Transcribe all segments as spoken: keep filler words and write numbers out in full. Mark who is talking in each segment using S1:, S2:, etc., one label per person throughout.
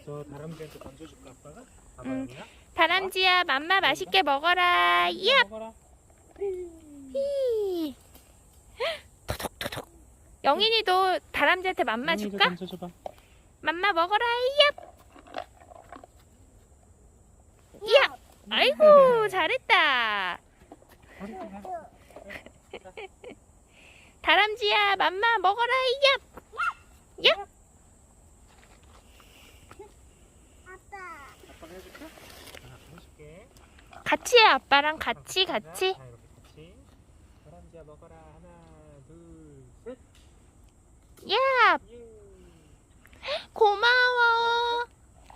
S1: 저 다람쥐한테 던져줄까 아빠가? 봐봐
S2: 응.
S1: 영이야.
S2: 다람쥐야, 맘마 맛있게 먹어라. 야!
S1: 먹어라.
S2: 히. 토독토독. 영인이도 다람쥐한테 맘마
S1: 영이도
S2: 줄까?
S1: 던져줘봐.
S2: 맘마 먹어라. 야! 야! 아이고, 잘했다. 다람쥐야, 맘마 먹어라. 야! 야!
S1: 아빠가 해줄까? 아, 해줄게.
S2: 같이 해, 아빠랑 같이,
S1: 자,
S2: 같이.
S1: 자, 이렇게 같이. 다람쥐야 먹어라. 하나, 둘, 셋.
S2: 야!
S1: 예.
S2: 고마워.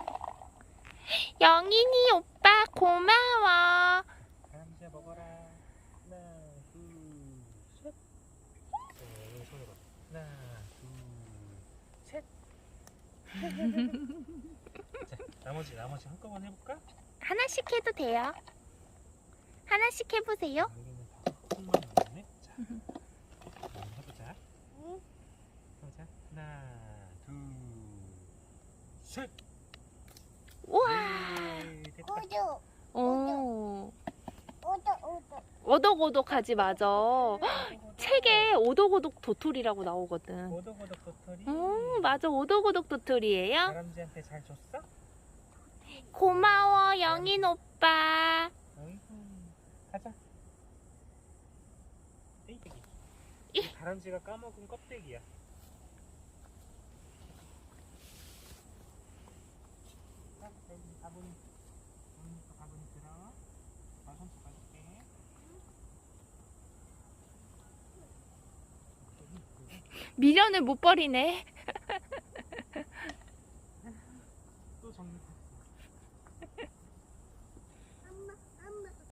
S2: 영인이 오빠 고마워.
S1: 다람쥐야 먹어라. 하나, 둘, 셋. 네, 여기 손으로. 하나, 둘, 셋. 자, 나머지 나머지 한꺼번에 해볼까?
S2: 하나씩 해도 돼요. 하나씩 해보세요.
S1: 여기는 다 콩만 나오네. 자, 한번 해보자. 해보자. 하나, 둘, 셋.
S2: 우와.
S1: 예, 됐다.
S3: 우주,
S2: 오.
S3: 우주, 우주.
S2: 오독오독하지 맞아. 책에 오독오독 도토리라고 나오거든.
S1: 오독오독 도토리.
S2: 음, 맞아. 오독오독 도토리예요.
S1: 다람쥐한테 잘 줬어?
S2: 고마워, 영인 오빠.
S1: 어이구, 가자. 떼이떼기.
S2: 이.
S1: 이 다람쥐가 까먹은 껍데기야. 자, 여기 바구니. 여기 또 바구니 들어. 나 손톱 가줄게.
S2: 미련을 못 버리네.
S1: 또 정리 다